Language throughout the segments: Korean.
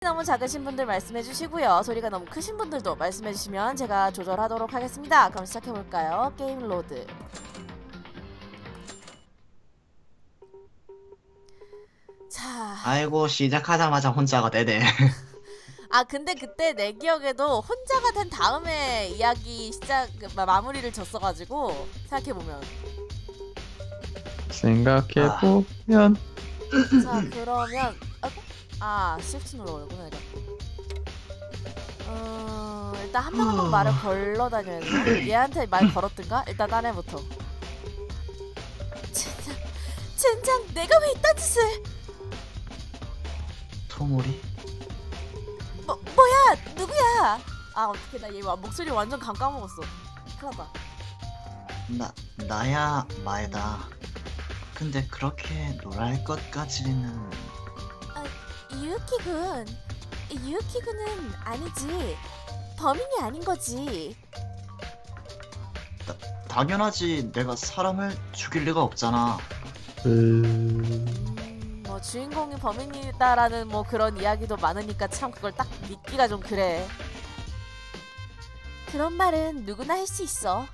너무 작으신 분들 말씀해주시고요. 소리가 너무 크신 분들도 말씀해주시면 제가 조절하도록 하겠습니다. 그럼 시작해볼까요? 게임 로드. 자. 아이고 시작하자마자 혼자가 되네. 아 근데 그때 내 기억에도 혼자가 된 다음에 이야기 시작 마무리를 졌어가지고 생각해보면. 생각해보면. 자 그러면 시프트 눌러오구나 이거. 일단 한 명 한 명 말을 걸러 다녀야 되나? 얘한테 말 걸었든가? 일단 딴 애부터. 젠장 내가 왜 이딴 짓을. 토모리? 뭐야 누구야? 아 어떡해 나 얘 목소리 완전 감 까먹었어. 큰일났다. 나야 마에다. 근데 그렇게 놀랄 것까지는. 유우키군은 아니지. 범인이 아닌 거지. 당연하지. 내가 사람을 죽일 리가 없잖아. 뭐 주인공이 범인이다라는 뭐 그런 이야기도 많으니까 참 그걸 딱 믿기가 좀 그래. 그런 말은 누구나 할 수 있어.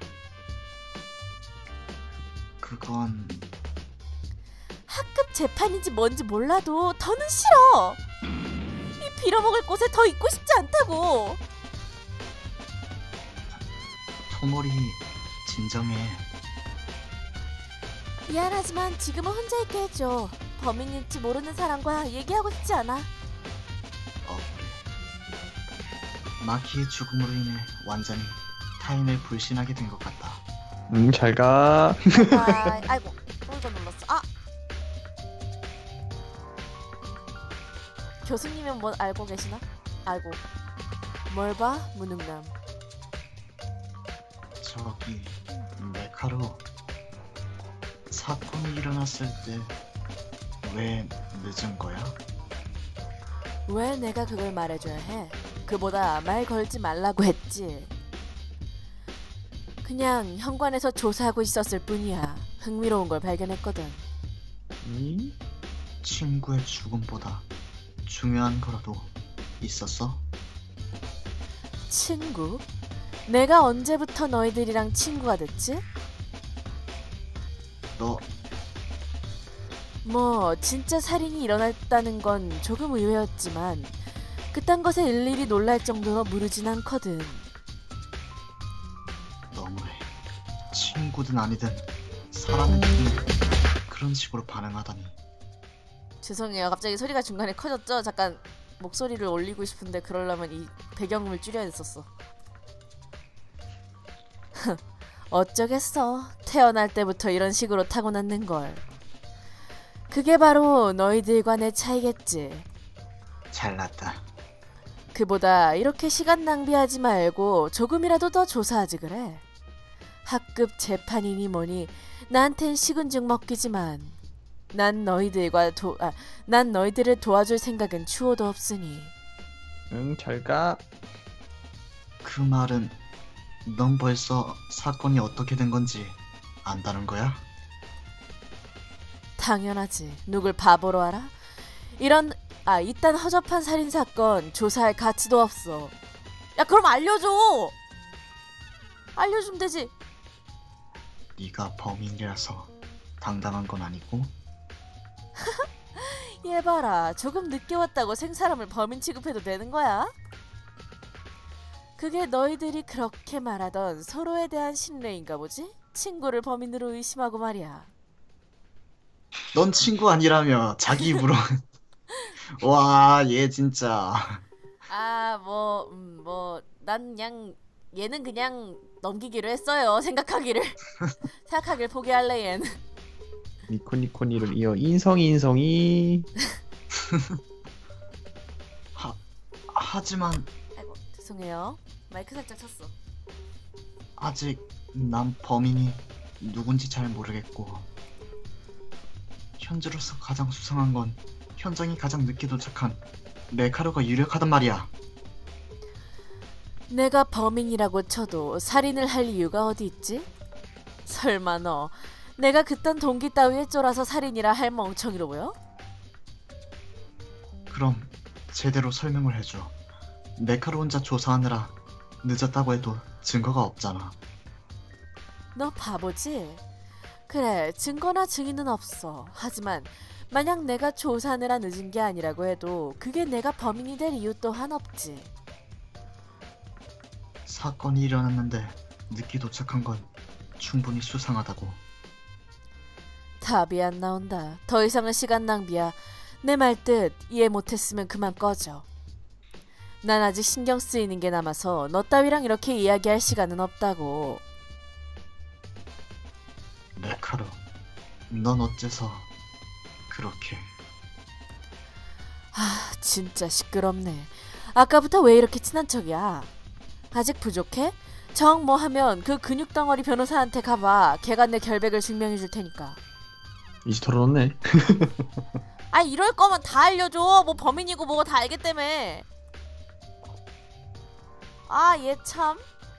그건 학급 재판인지 뭔지 몰라도 더는 싫어. 이 빌어먹을 곳에 더 있고 싶지 않다고. 토모리 진정해. 미안하지만 지금은 혼자 있게 해줘. 범인일지 모르는 사람과 얘기하고 싶지 않아. 마키의 죽음으로 인해 완전히 타인을 불신하게 된 것 같다. 잘가. 아이고 또 눌렀어. 교수님은 뭐 알고 계시나? 알고. 뭘 봐? 무능남. 저기 메카로 사건이 일어났을 때 왜 늦은 거야? 왜 내가 그걸 말해줘야 해? 그보다 말 걸지 말라고 했지. 그냥 현관에서 조사하고 있었을 뿐이야. 흥미로운 걸 발견했거든. 친구의 죽음보다 중요한 거라도 있었어? 친구? 내가 언제부터 너희들이랑 친구가 됐지? 뭐 진짜 살인이 일어났다는 건 조금 의외였지만 그딴 것에 일일이 놀랄 정도로 무르진 않거든. 너무해. 친구든 아니든 사람의 죽음에 그런 식으로 반응하다니. 죄송해요. 갑자기 소리가 중간에 커졌죠? 잠깐 목소리를 올리고 싶은데 그러려면 이 배경음을 줄여야 했었어. 어쩌겠어. 태어날 때부터 이런 식으로 타고났는걸. 그게 바로 너희들과 내 차이겠지. 잘났다. 그보다 이렇게 시간 낭비하지 말고 조금이라도 더 조사하지 그래. 학급 재판이니 뭐니 나한텐 식은 죽 먹기지만 난 너희들을 도와줄 생각은 추호도 없으니. 잘가. 그 말은 넌 벌써 사건이 어떻게 된 건지 안다는 거야? 당연하지. 누굴 바보로 알아? 이딴 허접한 살인사건 조사할 가치도 없어. 야 그럼 알려줘! 알려주면 되지. 네가 범인이라서 당당한 건 아니고? 얘 봐라. 조금 늦게 왔다고 생사람을 범인 취급해도 되는 거야? 그게 너희들이 그렇게 말하던 서로에 대한 신뢰인가 보지? 친구를 범인으로 의심하고 말이야. 넌 친구 아니라며 자기 입으로. 와, 얘 진짜. 난 그냥 얘는 그냥 넘기기로 했어요. 생각하기를 포기할래 얘는. 니코니코니를 이어 인성이. 하지만 아이고 죄송해요. 마이크 살짝 쳤어. 아직 난 범인이 누군지 잘 모르겠고 현재로서 가장 수상한 건 현장에 가장 늦게 도착한 메카로가 유력하단 말이야. 내가 범인이라고 쳐도 살인을 할 이유가 어디 있지? 설마 너 내가 그딴 동기 따위에 쫄아서 살인이라 할 멍청이로 보여? 그럼 제대로 설명을 해줘. 메카로 혼자 조사하느라 늦었다고 해도 증거가 없잖아. 너 바보지? 그래, 증거나 증인은 없어. 하지만 만약 내가 조사하느라 늦은 게 아니라고 해도 그게 내가 범인이 될 이유 또한 없지. 사건이 일어났는데 늦게 도착한 건 충분히 수상하다고. 답이 안 나온다. 더 이상은 시간 낭비야. 내 말뜻 이해 못했으면 그만 꺼져. 난 아직 신경 쓰이는 게 남아서 너 따위랑 이렇게 이야기할 시간은 없다고. 메카루, 넌 어째서 그렇게... 아, 진짜 시끄럽네. 아까부터 왜 이렇게 친한 척이야? 아직 부족해? 정 뭐 하면 그 근육덩어리 변호사한테 가봐. 걔가 내 결백을 증명해 줄 테니까. 이제 털어놓네. 아, 이럴 거면 다 알려줘. 뭐 범인이고 뭐고 다 알겠다며. 아, 얘 참.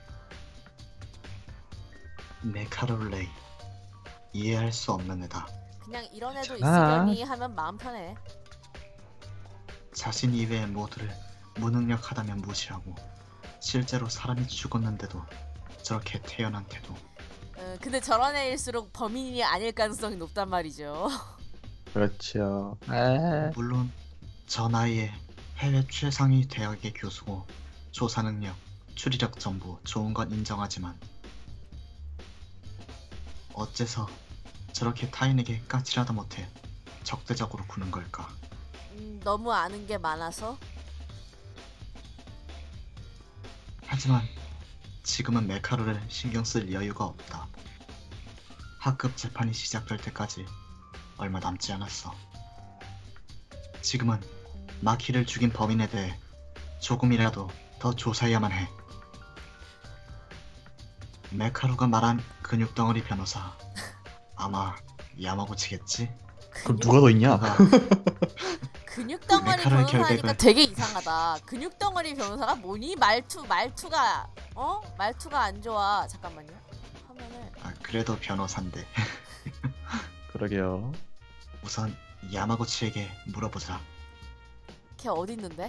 메카루 레이, 이해할 수 없는 애다. 그냥 이런 애도 아. 있으려니 하면 마음 편해. 자신 이외의 모두를 무능력하다면 무시하고 실제로 사람이 죽었는데도 저렇게 태연한 태도. 근데 저런 애일수록 범인이 아닐 가능성이 높단 말이죠. 그렇죠. 에. 물론 저 나이에 해외 최상위 대학의 교수고 조사 능력, 추리력 전부 좋은 건 인정하지만 어째서 저렇게 타인에게 까칠하다 못해 적대적으로 구는 걸까? 너무 아는 게 많아서? 하지만 지금은 메카루를 신경 쓸 여유가 없다. 학급 재판이 시작될 때까지 얼마 남지 않았어. 지금은 마키를 죽인 범인에 대해 조금이라도 더 조사해야만 해. 메카루가 말한 근육덩어리 변호사, 아마 야마구치겠지? 그럼 누가 더 있냐? 근육덩어리 메카루의 변호사니까 결백을- 되게 이상하다. 근육덩어리 변호사가 뭐니? 말투가 말투가 안 좋아. 잠깐만요. 화면을. 그래도 변호사인데. 그러게요. 우선 야마구치에게 물어보자. 걔 어디 있는데?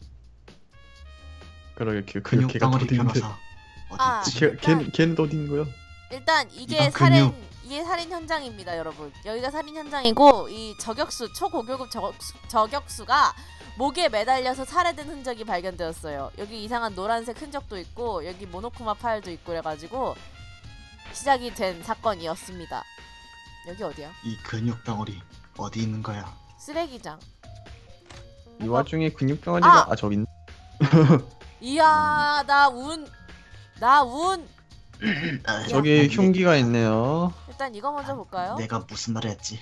그러게 걔가 근육덩어리 어디 있는데? 변호사 어디 아. 있지? 걔는 또 어디 있는 거야? 일단 이게 이건 살인 근육. 이게 살인 현장입니다, 여러분. 여기가 살인 현장이고 이 저격수 초고교급 저격수가 목에 매달려서 살해된 흔적이 발견되었어요. 여기 이상한 노란색 흔적도 있고 여기 모노쿠마 파일도 있고 그래가지고 시작이 된 사건이었습니다. 여기 어디야? 이 근육덩어리 어디 있는 거야? 쓰레기장. 이 와중에 근육덩어리가 아! 저기 있네. 이야, 나 운. 저기 아니, 흉기가 있네요. 일단 이거 먼저 볼까요? 내가 무슨 말을 했지?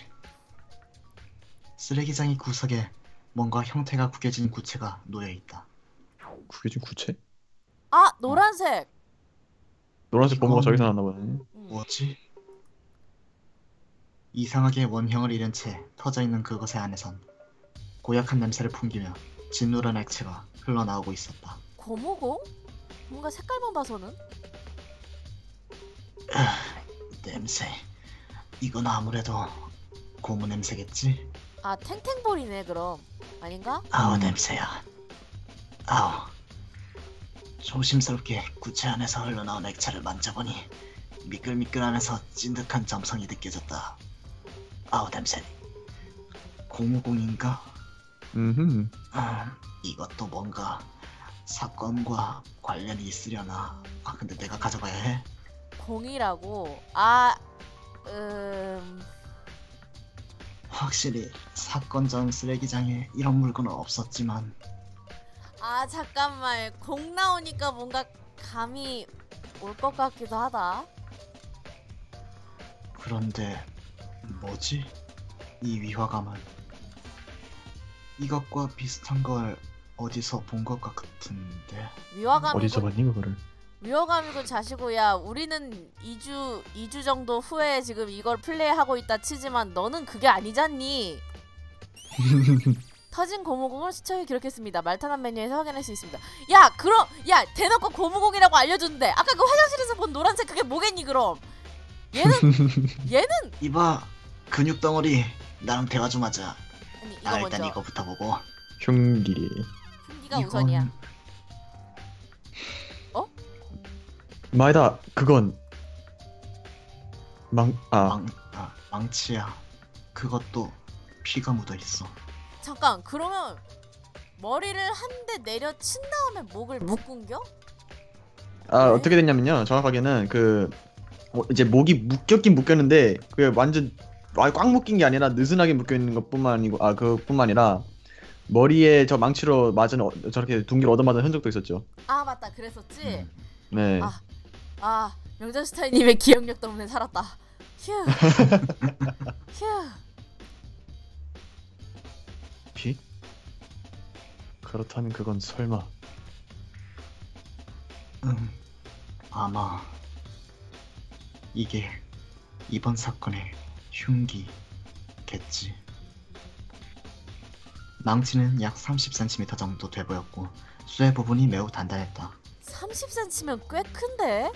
쓰레기장의 구석에 뭔가 형태가 구겨진 구체가 놓여 있다. 구겨진 구체? 아, 노란색. 노란색 범퍼가 이건- 저기서 나왔나 보네. 뭐지? 이상하게 원형을 잃은 채 터져 있는 그것의 안에선 고약한 냄새를 풍기며 진노란 액체가 흘러나오고 있었다. 고무공? 뭔가 색깔만 봐서는? 냄새. 이건 아무래도 고무 냄새겠지? 아, 탱탱볼이네 그럼. 아닌가? 아우 냄새야. 아우. 조심스럽게 구체 안에서 흘러나온 액체를 만져보니 미끌미끌하면서 찐득한 점성이 느껴졌다. 아우 냄새. 고무공인가? 이것도 뭔가 사건과 관련이 있으려나. 근데 내가 가져가야 해? 공이라고. 확실히 사건 전 쓰레기장에 이런 물건은 없었지만 잠깐만. 공 나오니까 뭔가 감이 올 것 같기도 하다. 그런데 뭐지? 이 위화감은 이것과 비슷한 걸 어디서 본 것 같은데. 어디서 위화감이고 봤니 그거를? 위화감이고 자시고야. 우리는 2주 정도 후에 지금 이걸 플레이하고 있다 치지만 너는 그게 아니잖니. 터진 고무공을 수첩에 기록했습니다. 말타난 메뉴에서 확인할 수 있습니다. 야 대놓고 고무공이라고 알려줬는데 아까 그 화장실에서 본 노란색 그게 뭐겠니 그럼? 얘는 이봐, 근육덩어리 나랑 대화 좀 하자. 아니 이거 일단 먼저 이거부터 보고. 흉기. 흉기가 우선이야. 마에다 그건 망치야. 그것도 피가 묻어 있어. 잠깐, 그러면 머리를 한 대 내려 친 다음에 목을 묶은겨? 네? 어떻게 됐냐면요. 정확하게는 이제 목이 묶였긴 묶였는데 그게 완전 꽉 묶인 게 아니라 느슨하게 묶여 있는 것뿐만 아니고 그뿐만 아니라 머리에 저 망치로 맞은 저렇게 둥기를 얻어맞은 흔적도 있었죠. 아 맞다, 그랬었지. 네. 명장스타인님의 기억력 때문에 살았다. 휴. 휴. 피? 그렇다면 그건 설마 아마 이게 이번 사건의 흉기겠지. 망치는 약 30cm 정도 돼 보였고 쇠 부분이 매우 단단했다. 30cm면 꽤 큰데?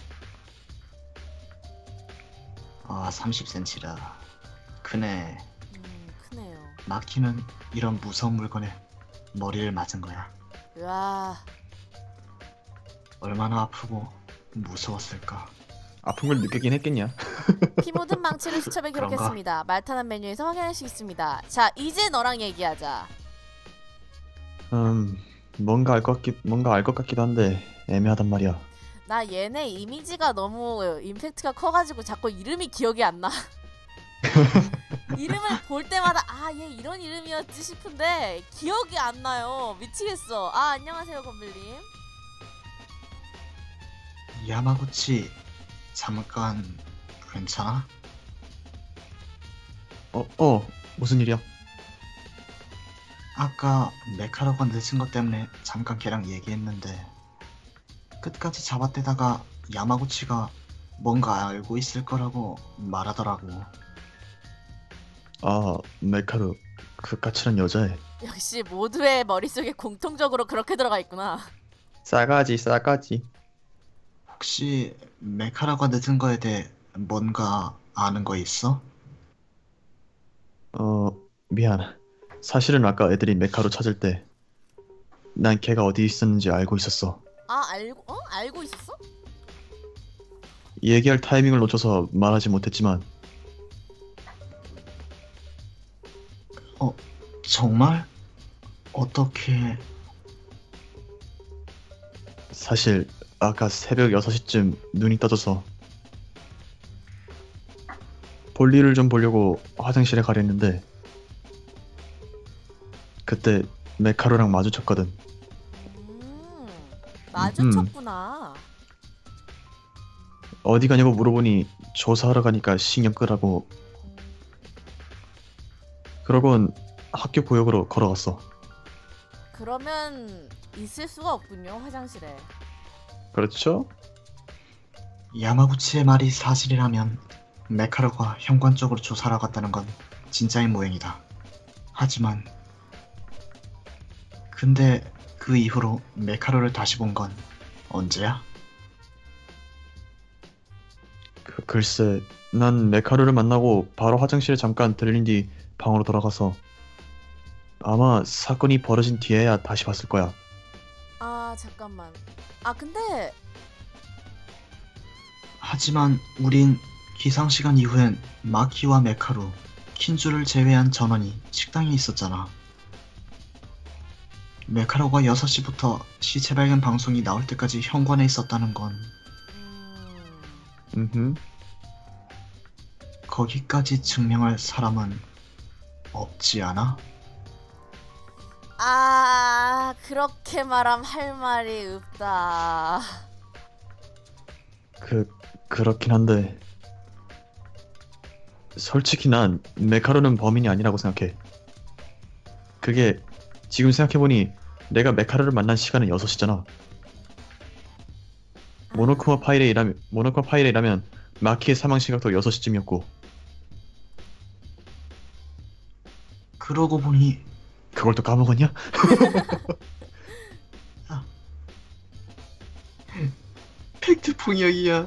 30cm라 크네. 크네요. 마키는 이런 무서운 물건에 머리를 맞은 거야. 으아. 얼마나 아프고 무서웠을까. 아픈 걸 느끼긴 했겠냐? 피 묻은 망치를 수첩에 그런가? 기록했습니다. 말타는 메뉴에서 확인할 수 있습니다. 자, 이제 너랑 얘기하자. 뭔가 알 것 같기도 한데 애매하단 말이야. 나 얘네 이미지가 너무 임팩트가 커가지고 자꾸 이름이 기억이 안 나. 이름을 볼 때마다 얘 이런 이름이었지 싶은데 기억이 안 나요. 미치겠어. 안녕하세요, 건빌님. 야마구치 잠깐 괜찮아? 무슨 일이야? 아까 메카로가 늦은 것 때문에 잠깐 걔랑 얘기했는데 끝까지 잡아대다가 야마구치가 뭔가 알고 있을 거라고 말하더라고. 메카루 그 까칠한 여자애. 역시 모두의 머릿속에 공통적으로 그렇게 들어가 있구나. 싸가지. 혹시 메카로가 늦은 거에 대해 뭔가 아는 거 있어? 미안. 사실은 아까 애들이 메카루 찾을 때 난 걔가 어디 있었는지 알고 있었어. 알고 있었어? 얘기할 타이밍을 놓쳐서 말하지 못했지만 정말? 어떻게... 사실 아까 새벽 6시쯤 눈이 떠져서 볼일을 좀 보려고 화장실에 가려했는데 그때 메카루랑 마주쳤거든. 마주쳤구나. 어디 가냐고 물어보니 조사하러 가니까 신경 끄라고. 그러곤 학교 구역으로 걸어갔어. 그러면 있을 수가 없군요, 화장실에. 그렇죠? 야마구치의 말이 사실이라면 메카로가 현관 쪽으로 조사하러 갔다는 건 진짜인 모양이다. 하지만 근데 그 이후로 메카로를 다시 본 건 언제야? 글쎄, 난 메카루를 만나고 바로 화장실에 잠깐 들린 뒤 방으로 돌아가서 아마 사건이 벌어진 뒤에야 다시 봤을 거야. 잠깐만. 근데 하지만 우린 기상시간 이후엔 마키와 메카루, 킨주를 제외한 전원이 식당에 있었잖아. 메카로가 6시부터 시체 발견 방송이 나올 때까지 현관에 있었다는 건 거기까지 증명할 사람은 없지 않아? 그렇게 말함 할 말이 없다. 그렇긴 한데 솔직히 난 메카루는 범인이 아니라고 생각해. 그게 지금 생각해보니 내가 메카루를 만난 시간은 6시잖아. 모노쿠마 파이레이라면 마키의 사망 시각도 6시쯤이었고. 그러고 보니 그걸 또 까먹었냐? 팩트 폭력이야.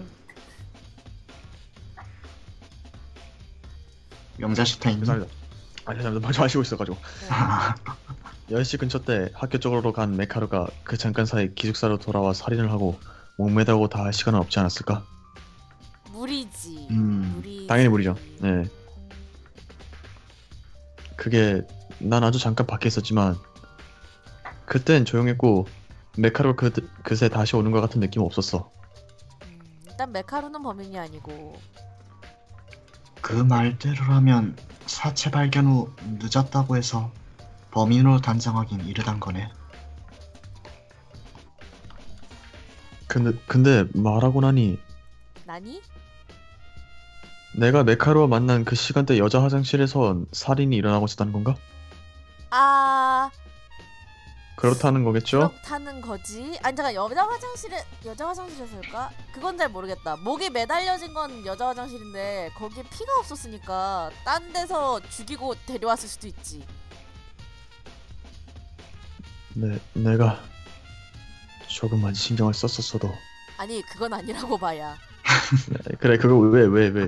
명자슈타인. 죄송합니다. 죄송합니다. 말 좀 하시고 있어가지고. 10시 근처 때 학교 쪽으로 간 메카루가 그 잠깐 사이 기숙사로 돌아와 살인을 하고 목매다고 다 할 시간은 없지 않았을까? 무리지. 음, 무리지. 당연히 무리죠. 네. 그게 난 아주 잠깐 밖에 있었지만 그땐 조용했고 메카루가 그새 다시 오는 것 같은 느낌은 없었어. 일단 메카루는 범인이 아니고. 그 말대로라면 사체 발견 후 늦었다고 해서 범인으로 단정하긴 이르단 거네. 근데 말하고 나니 나니? 내가 메카루와 만난 그 시간대 여자 화장실에선 살인이 일어나고 있었다는 건가? 아, 그렇다는 거겠죠? 그렇다는 거지. 아니 잠깐, 여자 화장실에서일까? 그건 잘 모르겠다. 목이 매달려진 건 여자 화장실인데 거기에 피가 없었으니까 딴 데서 죽이고 데려왔을 수도 있지. 내가 조금만 신경을 썼었어도. 아니 그건 아니라고 봐야. 그래, 그거 왜?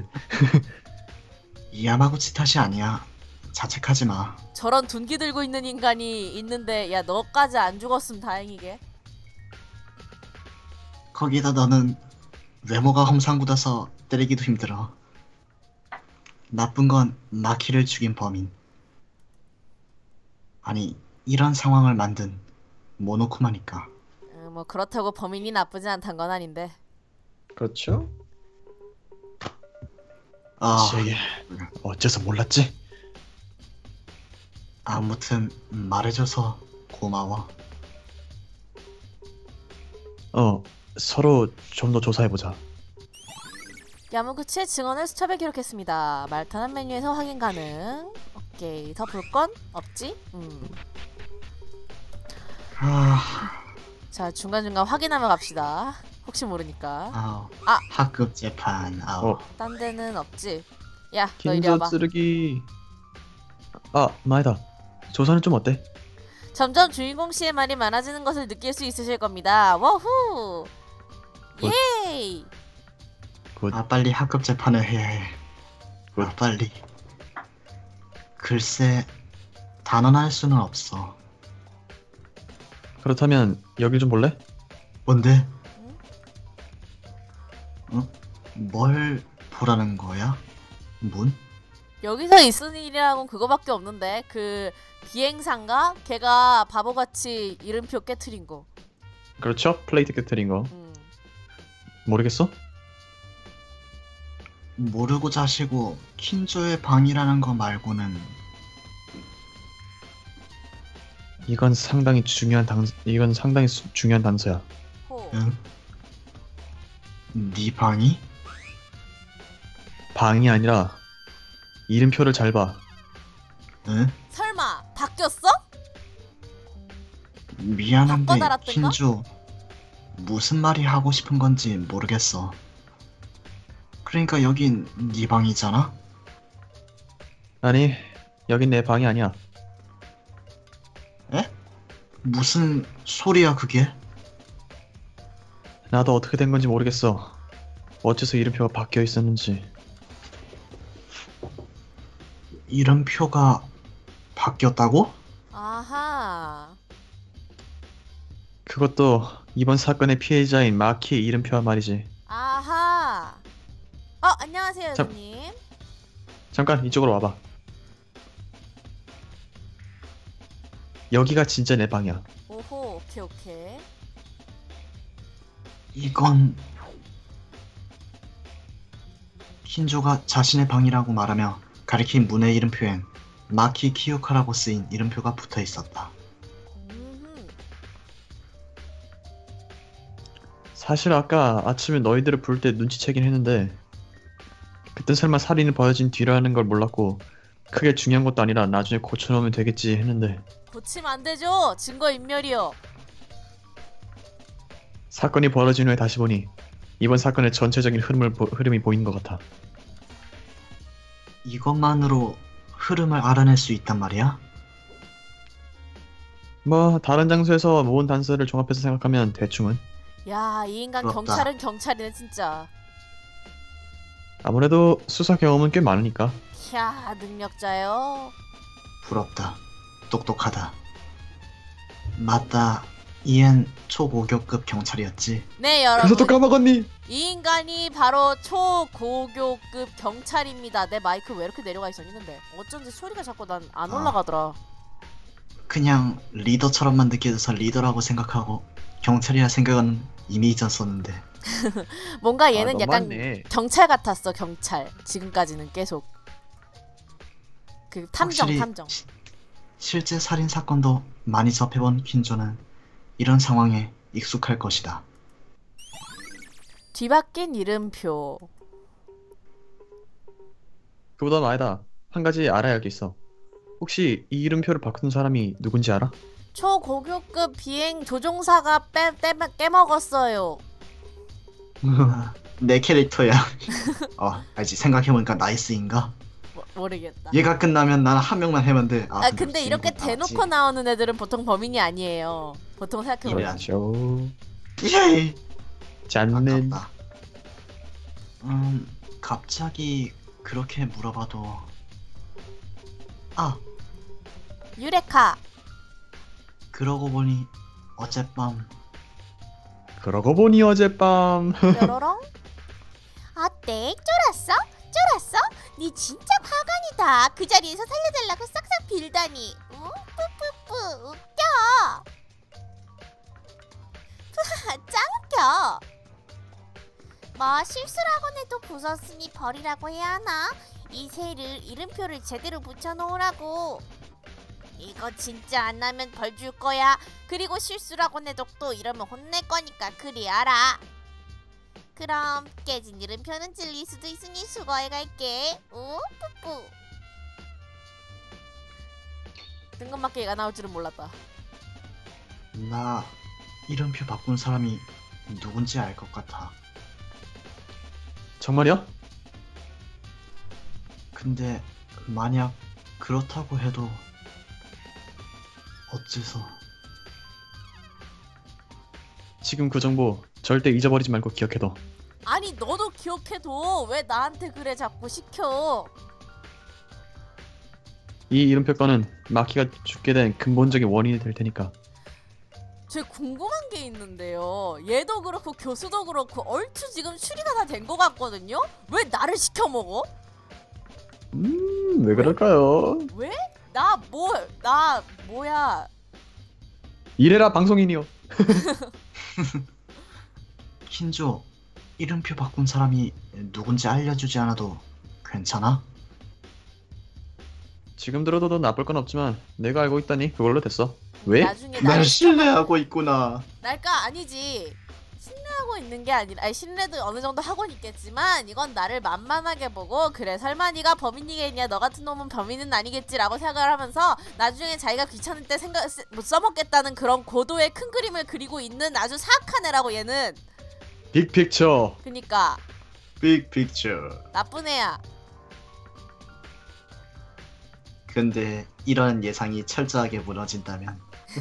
야마구치 탓이 아니야. 자책하지 마. 저런 둔기 들고 있는 인간이 있는데 야 너까지 안 죽었으면 다행이게. 거기다 너는 외모가 험상궂어서 때리기도 힘들어. 나쁜 건 마키를 죽인 범인. 아니, 이런 상황을 만든 모노쿠마니까. 뭐 그렇다고 범인이 나쁘지 않단 건 아닌데. 그렇죠? 아, 제게 어째서 몰랐지? 아무튼 말해줘서 고마워. 서로 좀 더 조사해보자. 야무구치의 증언을 수첩에 기록했습니다. 말타는 메뉴에서 확인 가능. 오케이. 더 볼 건 없지? 자, 중간중간 확인하며 갑시다. 혹시 모르니까. 아! 학급 재판. 딴 데는 없지? 야, 너 이리 와봐. 긴저 쓰레기. 마에다. 조사는 좀 어때? 점점 주인공 씨의 말이 많아지는 것을 느낄 수 있으실 겁니다. 워후! 예이! 빨리 학급 재판을 해야 해. 빨리. 글쎄, 단언할 수는 없어. 그렇다면 여길 좀 볼래? 뭔데? 응? 뭘 보라는 거야? 문? 여기서 있을 일이라고는 그거밖에 없는데 그 비행사인가? 걔가 바보같이 이름표 깨트린 거. 그렇죠? 플레이트 깨트린 거. 모르겠어? 모르고 자시고 킨조의 방이라는 거 말고는. 이건 상당히 중요한 단서야. 호. 응? 네 방이? 방이 아니라 이름표를 잘 봐. 응? 설마 바뀌었어? 미안한데 바꿔 달았던가? 킨조 무슨 말이 하고 싶은 건지 모르겠어. 그러니까 여긴 네 방이잖아? 아니, 여긴 내 방이 아니야. 에? 무슨 소리야 그게? 나도 어떻게 된 건지 모르겠어. 어째서 이름표가 바뀌어 있었는지. 이름표가 바뀌었다고? 아하. 그것도 이번 사건의 피해자인 마키의 이름표와 말이지. 아하. 안녕하세요, 참. 여주님. 잠깐 이쪽으로 와봐. 여기가 진짜 내 방이야. 오호, 오케이. 이건 킨조가 자신의 방이라고 말하며 가리킨 문의 이름표엔 마키 키요카라고 쓰인 이름표가 붙어 있었다. 사실 아까 아침에 너희들을 부를 때 눈치채긴 했는데 그땐 설마 살인이 벌어진 뒤라는 걸 몰랐고 크게 중요한 것도 아니라 나중에 고쳐놓으면 되겠지 했는데 고치면 안 되죠. 증거인멸이요. 사건이 벌어진 후에 다시 보니 이번 사건의 전체적인 흐름이 보이는 것 같아. 이것만으로 흐름을 알아낼 수 있단 말이야? 뭐 다른 장소에서 모은 단서를 종합해서 생각하면 대충은. 야, 이 인간 부럽다. 경찰은 경찰이네 진짜. 아무래도 수사 경험은 꽤 많으니까. 캬, 능력자요. 부럽다. 똑똑하다. 맞다. 이엔 초고교급 경찰이었지. 네 그래서 또 여러분, 까먹었니? 이 인간이 바로 초고교급 경찰입니다. 내 마이크 왜 이렇게 내려가 있었니? 근데 어쩐지 소리가 자꾸 난 안 아. 올라가더라. 그냥 리더처럼만 느껴져서 리더라고 생각하고 경찰이라 생각은 이미 잊었었는데. 뭔가 얘는 아, 약간 너무하네. 경찰 같았어. 경찰. 지금까지는 계속 그 탐정 확실히 탐정. 실제 살인 사건도 많이 접해본 퀸조는 이런 상황에 익숙할 것이다. 뒤바뀐 이름표. 그보다는 아니다. 한 가지 알아야 할 게 있어. 혹시 이 이름표를 바꾼 사람이 누군지 알아? 초고교급 비행 조종사가 깨먹었어요. 내 캐릭터야. 알지. 생각해보니까 나이스인가? 모르겠다. 얘가 끝나면 난 한 명만 해면 돼. 근데 이렇게 대놓고 나오는 애들은 보통 범인이 아니에요. 보통 생각해보면. 이래야지. 그렇죠. 예이. 짠는. 아깝다. 갑자기 그렇게 물어봐도 유레카. 그러고 보니 어젯밤 그러고 보니 어젯밤. 뾰로롱. 어때? 쫄았어? 쫄았어? 니 진짜 화관이다. 그 자리에서 살려달라고 싹싹 빌다니. 뿌뿌뿌 웃겨. 짱 웃겨. 뭐 실수라곤 해도 부쉈으니 버리라고 해야 하나? 이 새를 이름표를 제대로 붙여놓으라고. 이거 진짜 안 하면 벌 줄 거야. 그리고 실수라곤 해도 또 이러면 혼낼 거니까 그리 알아. 그럼 깨진 이름표는 찔릴 수도 있으니 수거해 갈게. 뿌뿌. 뜬금맞게 얘가 나올 줄은 몰랐다. 나 이름표 바꾼 사람이 누군지 알 것 같아. 정말이야? 근데 만약 그렇다고 해도 어째서? 지금 그 정보 절대 잊어버리지 말고 기억해둬. 아니 너도 기억해둬. 왜 나한테 그래 자꾸 시켜. 이 이름표 건은 마키가 죽게 된 근본적인 원인이 될 테니까. 제 궁금한 게 있는데요. 얘도 그렇고 교수도 그렇고 얼추 지금 추리가 다 된 것 같거든요? 왜 나를 시켜 먹어? 왜 그럴까요? 왜? 뭐야? 이래라 방송인이요. 킨조, 이름표 바꾼 사람이 누군지 알려주지 않아도 괜찮아? 지금 들어도 나쁠 건 없지만 내가 알고 있다니 그걸로 됐어. 왜? 나중에 날 신뢰하고 있구나. 날까 아니지. 신뢰하고 있는 게 아니라 신뢰도 어느 정도 하고 있겠지만 이건 나를 만만하게 보고 그래 설마 네가 범인이겠냐 너 같은 놈은 범인은 아니겠지라고 생각을 하면서 나중에 자기가 귀찮을 때 못 써먹겠다는 그런 고도의 큰 그림을 그리고 있는 아주 사악한 애라고 얘는. 빅픽처. 그니까 빅 픽처. 나쁜 애야. 근데 이런 예상이 철저하게 무너진다면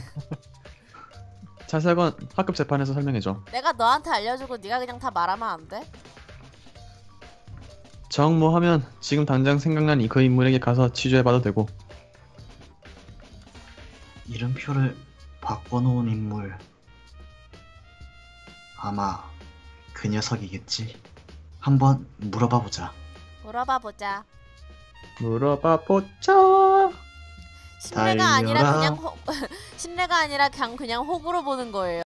자세한 학급 재판에서 설명해줘. 내가 너한테 알려주고 네가 그냥 다 말하면 안 돼? 정모하면 지금 당장 생각난 그 인물에게 가서 취조해봐도 되고. 이름표를 바꿔놓은 인물 아마 그 녀석이겠지. 한번 물어봐보자. 물어봐보자. 물어봐보자. 신뢰가 아니라 달려라. 그냥 신뢰가 아니라 그냥 호구로 보는 거예요.